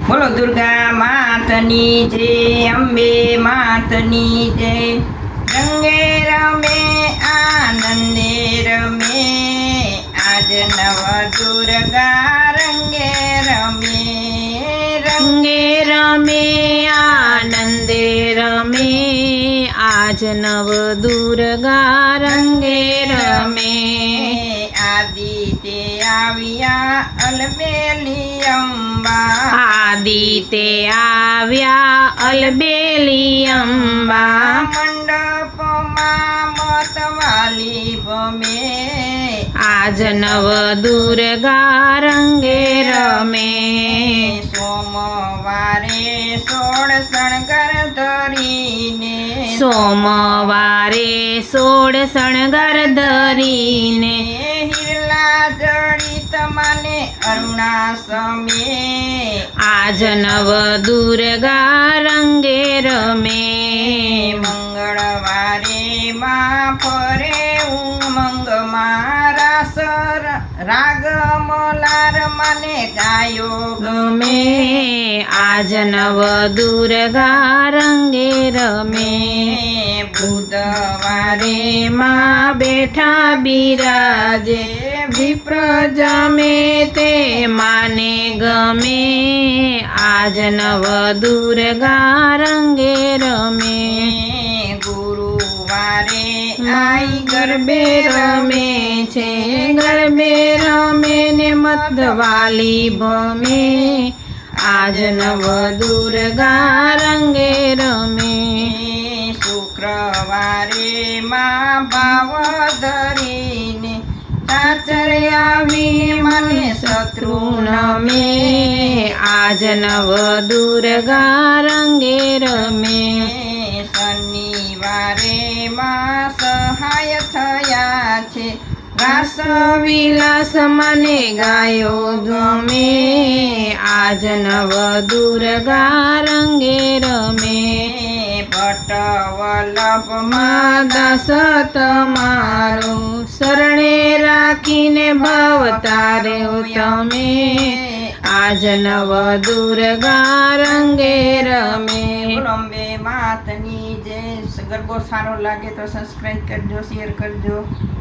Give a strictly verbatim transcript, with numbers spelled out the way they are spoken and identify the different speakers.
Speaker 1: बोलो दुर्गा मातनी जय, अंबे मातनी जय। रंगे रमे आनंदे रमे, आज नव दुर्गा रंगे रमे।
Speaker 2: रंगे रमे आनंदे रमे, आज नव दुर्गा रंगे रमे।
Speaker 1: आदिते आविया अलबेली अंबा,
Speaker 2: आदिते आव्या अलबेली अंबा।
Speaker 1: मंडप मां मतवाली भमे,
Speaker 2: आज नव दुर्गा रंगे रमे।
Speaker 1: सोमवारे सोળ શણગાર ધરીને,
Speaker 2: સોમવારે સોળ શણગાર ધરીને,
Speaker 1: હિરલા જડિત માને અરુણા સમે।
Speaker 2: આજ નવ દુર્ગા રંગે રમે।
Speaker 1: મંગળવારે માં ફરે ઉમંગમાં, રાસ રાગ મલાર માને ગાયો
Speaker 2: ગમે, આજ નવ દુર્ગા રંગે રમે।
Speaker 1: બુધવારે
Speaker 2: માં બેઠા બિરાજે, વિપ્ર જમે તે માને ગમે, આજ નવ દુર્ગા રંગે રમે।
Speaker 1: ગુરુવારે આઈ
Speaker 2: ગરબે રમે છે, ગરબે રમે ને મતવાલી ભમે, આજ નવ દુર્ગા રંગે રમે।
Speaker 1: શુક્રવારે માં ભાવ ધરીને, સાચર આવીને મને શત્રુ
Speaker 2: નમે, આજ નવ દુર્ગા રંગે રમે।
Speaker 1: શનિવારે માં સહાય થયા છે, ઘાસ
Speaker 2: વિલાસ મને ગાયો ગમે, આજ નવ દુર્ગા રંગે રમે।
Speaker 1: ભટ્ટવલ્લભમાં
Speaker 2: દાસ તમારો, શરણે રાખીને ભવતાર્યો તમે, આજ નવ દુર્ગા રંગે રમે।
Speaker 1: અંબે માતની જય। ગરબો સારો લાગે તો સબસ્ક્રાઈબ કરજો, શેર કરજો।